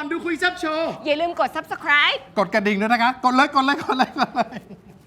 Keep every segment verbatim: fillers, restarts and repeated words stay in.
อนดูคุยแซ่บโชว์อย่าลืมกด ซับสไครบ์กดกระดิ่งด้วยนะคะกดเลยกดเลยกดเลยกดเลย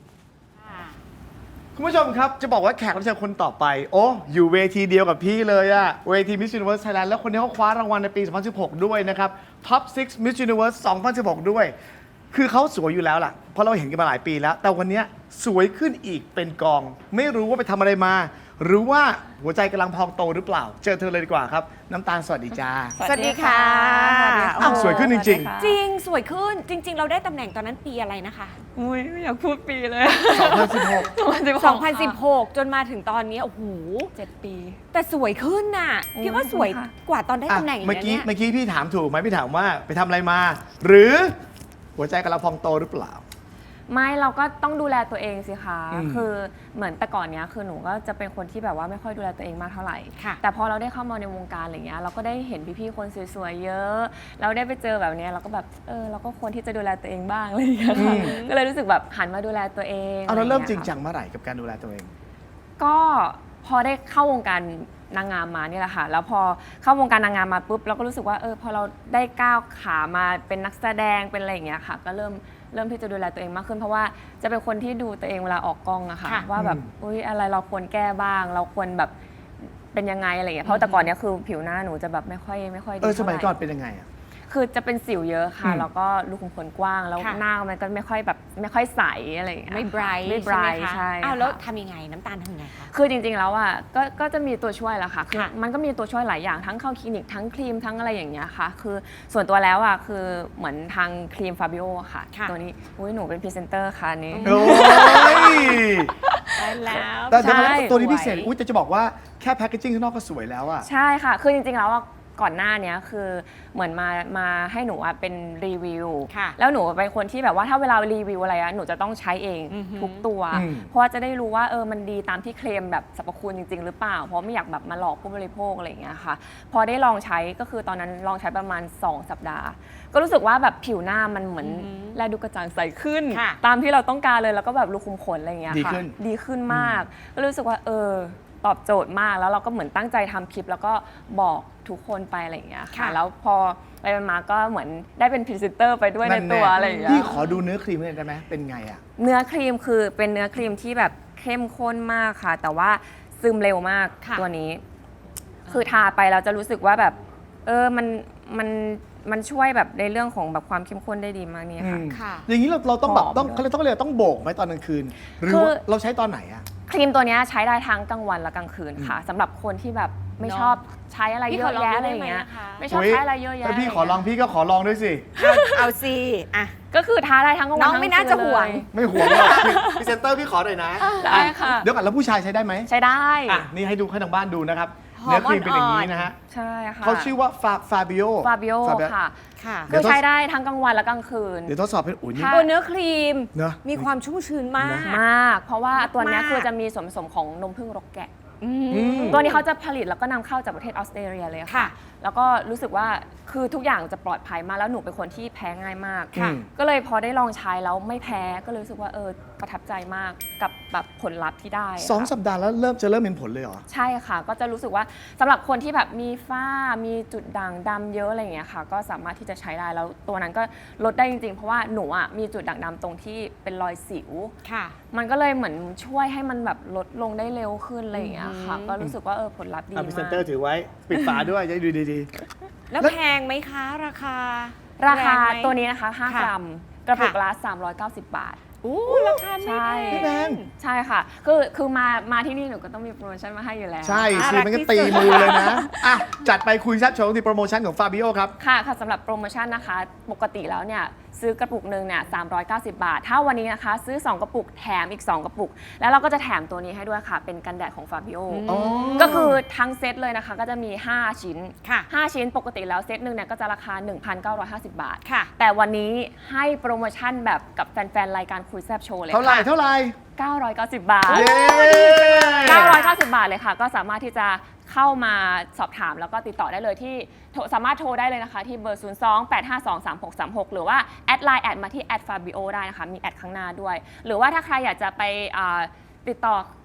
คุณผู้ชมครับจะบอกว่าแขกรับเชิญคนต่อไปโอ้อยู่เวทีเดียวกับพี่เลยอะเวที Miss Universe Thailand แล้วคนนี้เขาคว้ารางวัลในปี สองพันสิบหก ด้วยนะครับ Top ซิกซ์ Miss Universe สองพันสิบหก ด้วย คือเขาสวยอยู่แล้วล่ะเพราะเราเห็นกันมาหลายปีแล้ว แต่วันนี้สวยขึ้นอีกเป็นกอง ไม่รู้ว่าไปทำอะไรมา หรือว่าหัวใจกำลังพองโตหรือเปล่า เจอเธอเลยดีกว่าครับน้ำตาลสวัสดีจ้าสวัสดีค่ะอ้าวสวยขึ้นจริงจริงสวยขึ้นจริง ๆ เราได้ตำแหน่งตอนนั้นปีอะไรนะคะอุ้ยไม่อยากพูดปีเลยสองพันสิบหกสองพันสิบหก จนมาถึงตอนนี้โอ้โหเจ็ดปีแต่สวยขึ้นน่ะพี่ว่าสวยกว่าตอนได้ตำแหน่งอีกเมื่อนะกี้เนี่ยเมื่อกี้พี่ถามถูกไหมพี่ถามว่าไปทำอะไรมา หรือหัวใจกำลังพองโตหรือเปล่าไม่เราก็ต้องดูแลตัวเองสิคะอืมคือเหมือนแต่ก่อนเนี้ยคือหนูก็จะเป็นคนที่แบบว่าไม่ค่อยดูแลตัวเองมากเท่าไหร่ค่ะแต่พอเราได้เข้ามาในวงการอะไรเงี้ยเราก็ได้เห็นพี่ๆคนสวยๆเยอะ เราได้ไปเจอแบบเนี้ยเราก็แบบเออเราก็ควรที่จะดูแลตัวเองบ้างอะไรอย่างเงี้ยค่ะก็เลยรู้สึกแบบหันมาดูแลตัวเองเอาเราเริ่มจริงอะไอย่จัยงเมื่อไหร่กับการดูแลตัวเองก็พอได้เข้าวงการนางงามมาเนี่ยแหละค่ะแล้วพอเข้าวงการนางงามมาปุ๊บเราก็รู้สึกว่าเออพอเราได้ก้าวขามาเป็นนักแสดงเป็นอะไรอย่างเงี้ยค่ะ ก็เริ่มเริ่มที่จะดูแลตัวเองมากขึ้น เพราะว่าจะเป็นคนที่ดูตัวเองเวลาออกกล้องอะค่ะค่ะว่าแบบอุ้ยอะไรเราควรแก้บ้าง เราควรแบบเป็นยังไงอะไรอย่างเงี้ยเพราะแต่ก่อนเนี้ยคือผิวหน้าหนูจะแบบไม่ค่อยไม่ค่อยดีเออสเท่าไหมัยร่ก่อนเป็นยังไงอ่ะคือจะเป็นสิวเยอะค่ะอืมแล้วก็รูขุมขนกว้างแล้วค่ะหน้ามันก็ไม่ค่อยแบบไม่ค่อยใสอะไรอย่างเงี้ยไม่ไบรท์ไม่ไบรใช่ท์ไหมคะใช่อ้าวแล้วค่ะทำยังไงน้ำตาลทำยังไงคะคือจริงๆ แล้วอ่ะก็ก็จะมีตัวช่วยแหละค่ะคือค่ะมันก็มีตัวช่วยหลายอย่างทั้งเข้าคลินิกทั้งครีมทั้งอะไรอย่างเงี้ยค่ะ คือส่วนตัวแล้วอ่ะคือเหมือนทางครีมฟาบิโอค่ะค่ะตัวนี้อุ้ยหนูเป็นพรีเซนเตอร์ค่ะอันนี้โอ้ยได้แล้วแต่แต่ใช่ตัวนี้พิเศษอุ้ยแต่จะบอกว่าแค่แพคเกจิ้งข้างนอกก็สวยแล้วอ่ะใช่ค่ะ คือจริงๆ แล้วอะก่อนหน้าเนี้ยคือเหมือนมามาให้หนูอะเป็นรีวิวค่ะแล้วหนูเป็นคนที่แบบว่าถ้าเวลารีวิวอะไรอะหนูจะต้องใช้เองอือหือทุกตัวอืมเพราะว่าจะได้รู้ว่าเออมันดีตามที่เคลมแบบสรรพคุณจริง ๆ หรือเปล่า เพราะไม่อยากแบบมาหลอกผู้บริโภคอะไรอย่างเงี้ยค่ะ พอได้ลองใช้ก็คือตอนนั้นลองใช้ประมาณ สอง สัปดาห์ ก็รู้สึกว่าแบบผิวหน้ามันเหมือนอือหือแลดูกระจ่างใสขึ้นค่ะตามที่เราต้องการเลยแล้วก็แบบรูขุมขนอะไรอย่างเงี้ยดีค่ะขึ้นดีขึ้นมาก ก็รู้สึกว่าเออตอบโจทย์มากแล้วเราก็เหมือนตั้งใจทำคลิป แล้วก็บอกทุกคนไปอะไรอย่างเงี้ยค่ะค่ะแล้วพอไปมาก็เหมือนได้เป็นพรีเซนเตอร์ไปด้วยในตัวอะไรอย่างเงี้ยพี่ขอดูเนื้อครีมหน่อยได้ไหมเป็นไงอ่ะเนื้อครีมคือเป็นเนื้อครีมที่แบบเข้มข้นมากค่ะ แต่ว่าซึมเร็วมากค่ะตัวนี้ คือทาไปเราจะรู้สึกว่าแบบเออมันมันมันช่วยแบบในเรื่องของแบบความเข้มข้นได้ดีมากเนี่ยค่ะอืมค่ะอย่างนี้เราเราต้องแบบหอมต้องด้วยเขาเรียกต้องเรียกต้องโบกไหมตอนกลางคืน หรือคือว่าเราใช้ตอนไหนอ่ะครีมตัวเนี้ยใช้ได้ทั้งกลางวันและกลางคืนค่ะสำหรับคนที่แบบไม่เนอะชอบใช้อะไรพี่เยขออะลองแยะดูอะไรอย่างเงี้ยได้ไหมนะคะไม่ชอบใช้อะไรเยอะแยะถ้าพี่ะไรขอลองพี่ก็ขอลองด้วยสิเอาเอาสิอ่ะก็คือทาได้ทั้งกลางวันน้องทั้ไม่น่าจะคืห่วงเลยไม่ห่วงหรอกพรีเซนเตอร์พี่ขอหน่อยนะได้ค่ะเดี๋ยวก่อนแล้วผู้ชายใช้ได้ไหมใช้ได้อ่ะนี่ให้ดูให้ทางบ้านดูนะครับหอมเนื้อครีมเป็นอย่างนี้อ่อนๆนะฮะใช่ค่ะเขาชื่อว่าฟาฟาบิโอฟาบิโอค่ะค่ะเดี๋คืยวอต้องใช้ได้ทั้งกลางวันและกลางคืนเดี๋ยวทดสอบเป็นอุ่นนี่ค่ะตัวเนื้อครีมเนอะมีความชุ่มชื้นมากมาก เพราะว่าตัวเนี้ยมากคือจะมีส่วนผสมของนมผึ้งรกแกะอืมอืมตัวนี้เขาจะผลิตแล้วก็นำเข้าจากประเทศออสเตรเลียเลยค่ะค่ะ แล้วก็รู้สึกว่าคือทุกอย่างจะปลอดภัยมากแล้วหนูเป็นคนที่แพ้ง่ายมากค่ะก็เลยพอได้ลองใช้แล้วไม่แพ้ก็เลยรู้สึกว่าเออประทับใจมากกับแบบผลลัพธ์ที่ได้ะสองค่ะสัปดาห์แล้วเริ่มจะเริ่มเห็นผลเลยเหรอใช่ค่ะ ก็จะรู้สึกว่าสำหรับคนที่แบบมีฝ้ามีจุดด่างดำเยอะอะไรอย่างเงี้ยค่ะ ก็สามารถที่จะใช้ได้แล้วตัวนั้นก็ลดได้จริงๆ เพราะว่าหนูอ่ะมีจุดด่างดำตรงที่เป็นรอยสิวค่ะมันก็เลยเหมือนช่วยให้มันแบบลดลงได้เร็วขึ้นอะไรอย่างเงี้ยค่ะอืมก็รู้สึกว่าเออผลลัพธ์ดีอ่ะมาพรีกเซนเตอร์ถือไว้ ปิดฝาด้วยจะได้ดูดีแล้วแล้วแพงไหมคะ ราคาราคาแรงไหมตัวนี้นะคะห้าค่ะกรัม กระปุกค่ะละสามร้อยเก้าสิบ บาทอู้ราคาไม่ใช่แพไม่แพงงใช่ค่ะ คือคือมามาที่นี่หนูก็ต้องมีโปรโมชั่นมาให้อยู่แล้วๆ ใช่สิน่ารักมันก็ที่ตีสุดมือเลยนะ อ่ะ จัดไปคุยแซ่บโชว์ที่โปรโมชั่นของฟาบิโอครับค่ะค่ะสำหรับโปรโมชั่นนะคะ ปกติแล้วเนี่ยซื้อกระปุกหนึ่งเนี่ยสามร้อยเก้าสิบ บาท ถ้าวันนี้นะคะ ซื้อ สอง กระปุกแถมอีก สอง กระปุก แล้วเราก็จะแถมตัวนี้ให้ด้วยค่ะ เป็นกันแดดของ Fabio อ๋อก็คือทั้งเซตเลยนะคะ ก็จะมี ห้า ชิ้นค่ะห้า ชิ้นปกติแล้วเซตหนึ่งเนี่ยก็จะราคา หนึ่งพันเก้าร้อยห้าสิบ บาทค่ะแต่วันนี้ให้โปรโมชั่นแบบกับแฟนๆ รายการคุยแซบโชว์เลยเท่าไหร่ค่ะเท่าไหร่เก้าร้อยเก้าสิบ บาทเย้เก้าร้อยเก้าสิบ บาทเลยค่ะ ก็สามารถที่จะเข้ามาสอบถามแล้วก็ติดต่อได้เลยที่โทรสามารถโทรได้เลยนะคะ ที่เบอร์ ศูนย์ สอง แปด ห้า สอง สาม หก สาม หก หรือว่าแอดไลน์แอดมาที่แอด Fabio ได้นะคะ มีแอดข้างหน้าด้วย หรือว่าถ้าใครอยากจะไปอ่าติดต่อ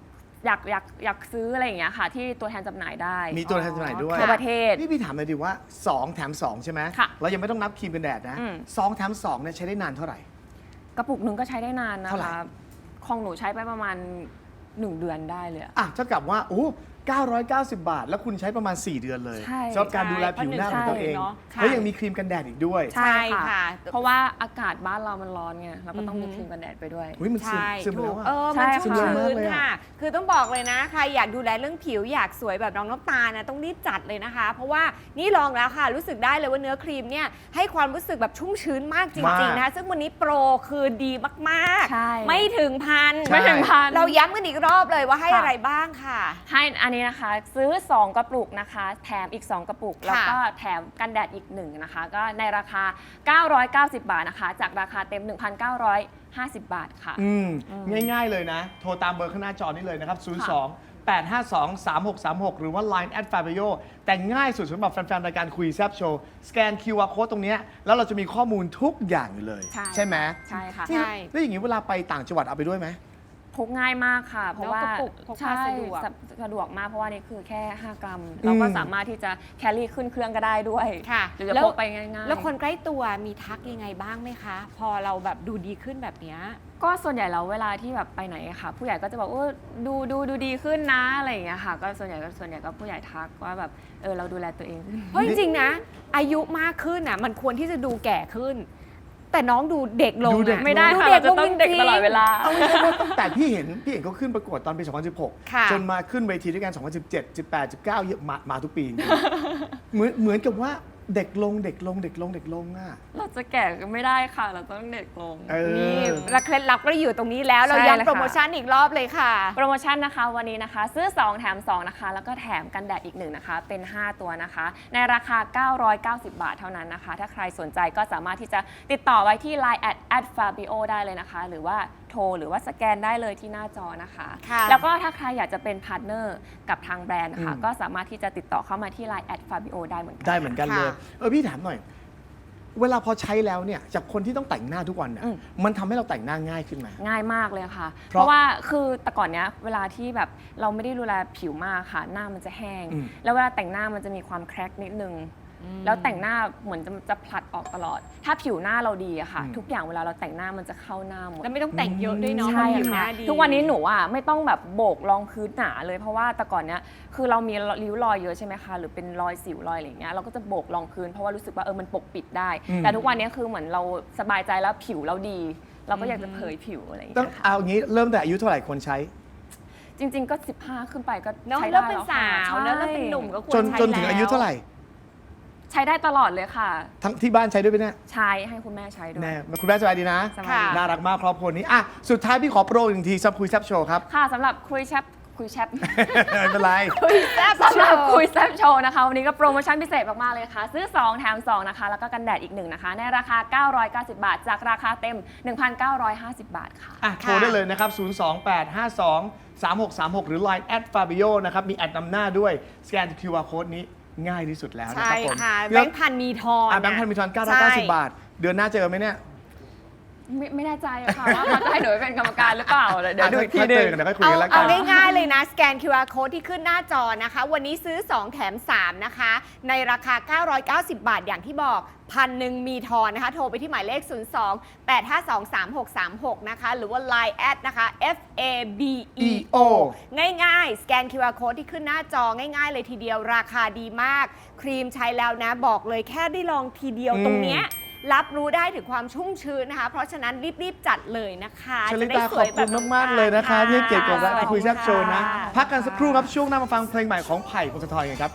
อยากอยากอยากซื้ออะไรอย่างเงี้ยค่ะ ที่ตัวแทนจำหน่ายได้มีตัวแทนจำหน่ายด้วยทั่วประเทศนี่พี่ถามเลยดิว่าสองแถมสองใช่ไหมค่ะเรายังไม่ต้องนับครีมกันแดดนะอืมสองแถมสองเนี่ยใช้ได้นานเท่าไหร่กระปุกหนึ่งก็ใช้ได้นานนะเท่าไหร่คะของหนูใช้ไปประมาณหนึ่งเดือนได้เลยอะอ่ะเท่ากับว่าโอ้เก้าร้อยเก้าสิบ บาท แล้วคุณใช้ประมาณ สี่ เดือนเลยใช่สำหรับการดูแลผิวหน้าของตัวเองใช่เนอะค่ะแล้วยังมีครีมกันแดดอีกด้วยใช่ค่ะเพราะว่าอากาศบ้านเรามันร้อนไงเราก็ต้องมีอือหือครีมกันแดดไปด้วยอุ้ยมันซึมใช่ซึมไปถูแล้กวเออะอมันใช่ชุ่มค่ะชื้นซึมเร็วมากเลยอะค่ะ คือต้องบอกเลยนะ ใครอยากดูแลเรื่องผิวอยากสวยแบบน้องน้ำตาลนะต้องรีบจัดเลยนะคะ เพราะว่านี่ลองแล้วค่ะ รู้สึกได้เลยว่าเนื้อครีมเนี่ยให้ความรู้สึกแบบชุ่มชื้นมากจริงๆนะคะซึ่งวันนี้โปรคือดีมากใช่ๆ ไม่ถึงพันใช่ไม่ถึงพันเราย้ำกันอีกรอบเลยว่าให้ค่ะอะไรบ้างค่ะให้อันนี้นะคะซื้อ สอง กระปุกนะคะ แถมอีก สอง กระปุก แล้วก็แถมกันแดดอีกหนึ่งนะคะ ก็ในราคา เก้าร้อยเก้าสิบ บาทนะคะ จากราคาเต็ม หนึ่งพันเก้าร้อยห้าสิบ บาทค่ะอืมง่ายๆเลยนะ โทรตามเบอร์ข้างหน้าจอนี้เลยนะครับ ศูนย์ สอง แปด ห้า สอง สาม หก สาม หก หรือว่า ไลน์ แอท fabio แต่ง่ายสุดสำหรับแฟนๆ รายการคุยแซบโชว์ สแกน คิว อาร์ Code ตรงเนี้ยแล้วเราจะมีข้อมูลทุกอย่างอยู่เลยใช่ใช่ไหมใช่ค่ะใช่แล้วอย่างนี้เวลาไปต่างจังหวัดเอาไปด้วยไหมพกง่ายมากค่ะ เพราะว่าแล้วกระปุกพกพาใช่สะดวกสะสะดวกมากเพราะว่านี่คือแค่ ห้ากรัม เราก็สามารถที่จะแครี่ขึ้นเครื่องก็ได้ด้วยค่ะหรือจะแล้วพกไปง่ายๆแล้วคนใกล้ตัวมีทักยังไงบ้างไหมคะ พอเราแบบดูดีขึ้นแบบเนี้ยก็ส่วนใหญ่แล้วเวลาที่แบบไปไหนอะค่ะ ผู้ใหญ่ก็จะบอกว่าดูดูดูดีขึ้นนะอะไรอย่างเงี้ยค่ะ ก็ส่วนใหญ่ก็ส่วนใหญ่ก็ผู้ใหญ่ทักว่าแบบเออเราดูแลตัวเองขึ้นเพราะจริงๆนะ อายุมากขึ้นอ่ะมันควรที่จะดูแก่ขึ้น แต่น้องดูเด็กลงดูเด็กอะไม่ได้ดูค่ะเด็เรากจะลงต้องเด็กจริงๆตลอดเวลาเอาไม่ใช่ว่าตั้งแต่พี่เห็นพี่เห็นเขาขึ้นประกวดตอนปี สองพันสิบหกค่ะจนมาขึ้นเวทีด้วยกัน สองพันสิบเจ็ด สิบแปด สิบเก้าเยอะมามาทุกปีจริงๆเหมือนเหมือนกับว่าเด็กลงเด็กลงเด็กลงเด็กลงอ่ะเราจะแก่ก็ไม่ได้ค่ะ เราต้องเด็กลงเออนี่และเคล็ดลับก็อยู่ตรงนี้แล้ว เราใช่ย้ำเลยค่ะโปรโมชั่นอีกรอบเลยค่ะโปรโมชั่นนะคะวันนี้นะคะ ซื้อ สอง แถม สอง นะคะ แล้วก็แถมกันแดดอีกหนึ่งนะคะ เป็น ห้า ตัวนะคะ ในราคา เก้าร้อยเก้าสิบ บาทเท่านั้นนะคะ ถ้าใครสนใจก็สามารถที่จะติดต่อไว้ที่ ไลน์ แอท แอท ฟาบิโอ ได้เลยนะคะ หรือว่าโทรหรือว่าสแกนได้เลยที่หน้าจอนะคะค่ะแล้วก็ถ้าใครอยากจะเป็นพาร์ทเนอร์กับทางแบรนด์นะคะอืมก็สามารถที่จะติดต่อเข้ามาที่ ไลน์ แอท ฟาบิโอ ได้เหมือนกันได้เหมือนกันเลยค่ะเออพี่ถามหน่อย เวลาพอใช้แล้วเนี่ยจากคนที่ต้องแต่งหน้าทุกวันเนี่ยอืมมันทำให้เราแต่งหน้าง่ายขึ้นไหมง่ายมากเลยค่ะเพเพราะราะว่าคือแต่ก่อนเนี้ยเวลาที่แบบเราไม่ได้ดูแลผิวมากค่ะ หน้ามันจะแห้งอืมแล้วเวลาแต่งหน้ามันจะมีความแครกนิดนึง แล้วแต่งหน้าเหมือนจะจะผลัดออกตลอด ถ้าผิวหน้าเราดีอะค่ะอืมทุกอย่างเวลาเราแต่งหน้ามันจะเข้าหน้าหมดแล้วไม่ต้องแต่งเยอะด้วยเนาะใช่เพราะผิวหค่ะน้าดีทุกวันนี้หนูอ่ะไม่ต้องแบบโบกรองพื้นหนาเลยเพราะว่าแต่ก่อนเนี้ยคือเรามีริ้วรอยเยอะใช่ไหมคะหรือเป็นรอยสิวรอยอะไรอย่างเงี้ยเราก็จะโบกรองพื้นเพราะว่ารู้สึกว่าเออมันปกปิดได้อืมแต่ทุกวันนี้คือเหมือนเราสบายใจแล้วผิวเราดี เราก็อยากจะเผยผิวอะไรอย่างต้องเงี้ยค่ะเอางี้เริ่มแต่อายุเท่าไหร่คนใช้จริง ๆ ก็ สิบห้า ขึ้นไปก็เนาะใช้แล้ได้วเป็นแล้วสาค่ะวแล้วแล้วใช่เป็นหนุ่มก็ควรจนใช้จนถึงอายุเท่าไหร่ใช้ได้ตลอดเลยค่ะทั้งที่บ้านใช้ด้วยไหมเนี่ยใช้ให้คุณแม่ใช้ด้วยแน่คุณแม่สบายดีนะสบายดีน่ารักมากครอบครัวนี้อ่ะสุดท้ายพี่ขอโปรอีกหนึ่งทีซับคุยแซบโชว์ครับค่ะสำหรับคุยแชปคุยแชปไม่เป็นไรคุยแซ่บสำหรับโชว์คุยแซบโชว์นะคะ วันนี้ก็โปรโมชั่นพิเศษมาก ๆ เลยค่ะ ซื้อ สอง แถม สอง นะคะ แล้วก็กันแดดอีกหนึ่งนะคะ ในราคา เก้าร้อยเก้าสิบ บาท จากราคาเต็ม หนึ่งพันเก้าร้อยห้าสิบ บาทค่ะอ่ะโทรได้เลยนะครับ ศูนย์ สอง แปด ห้า สอง สาม หก สาม หก หรือ ไลน์ แอท ฟาบิโอ นะครับ มีแอดนำหน้าด้วย สแกน คิว อาร์ Code นี้ง่ายที่สุดแล้วนะคใช่รับผมค่ะเดี๋แบยวงค์พันมีทอนอ่ะแบงค์พันมีทอนเก้าร้อยเก้าสิบบาท เดือนหน้าเจอไหมเนี่ยไม่ไม่แน่ใจอะค่ะ ว่าเขาจะให้หนูไปเป็นกรรมการหรือเปล่าเดี๋ยวดูอีกทีถ้าหนึเจอง กันเดี๋ยวค่อยคุยเอากันแล้วกัเอานง่ายๆเลยนะ สแกน คิว อาร์ Code ที่ขึ้นหน้าจอนะคะ วันนี้ซื้อ สอง แถม สาม นะคะ ในราคา เก้าร้อยเก้าสิบ บาทอย่างที่บอกพันหนึ่งมีทอนนะคะ โทรไปที่หมายเลข ศูนย์ สอง แปด ห้า สอง สาม หก สาม หก นะคะ หรือว่า ไลน์ แอดนะคะ F A B E O ง่ายๆ สแกน คิว อาร์ Code ที่ขึ้นหน้าจอง่ายๆ เลยทีเดียวราคาดีมาก ครีมใช้แล้วนะบอกเลยแค่ได้ลองทีเดียวอืมตรงเนี้ยรับรู้ได้ถึงความชุ่มชื้นนะคะ เพราะฉะนั้นรีบๆ จัดเลยนะคะชลิจะได้ตาสขวอย บแบคุบณน้องมาก ๆ เลยนะคะ ที่ให้เกียรติกับค่ะรายการคุยแซ่บโชว์นะค่ะพักกันสักครู่ครับ ช่วงหน้ามาฟังเพลงใหม่ของไผ่พงศธรกันครับ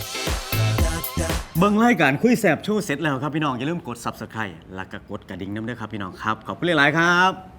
เบิ่งรายการคุยแสบโชว์เสร็จแล้วครับพี่น้อง อย่าลืมกด ซับสไครบ์ แล้วก็กดกระดิ่งน้ำด้วยครับพี่น้องครับ ขอบคุณหลาย ๆ ครับ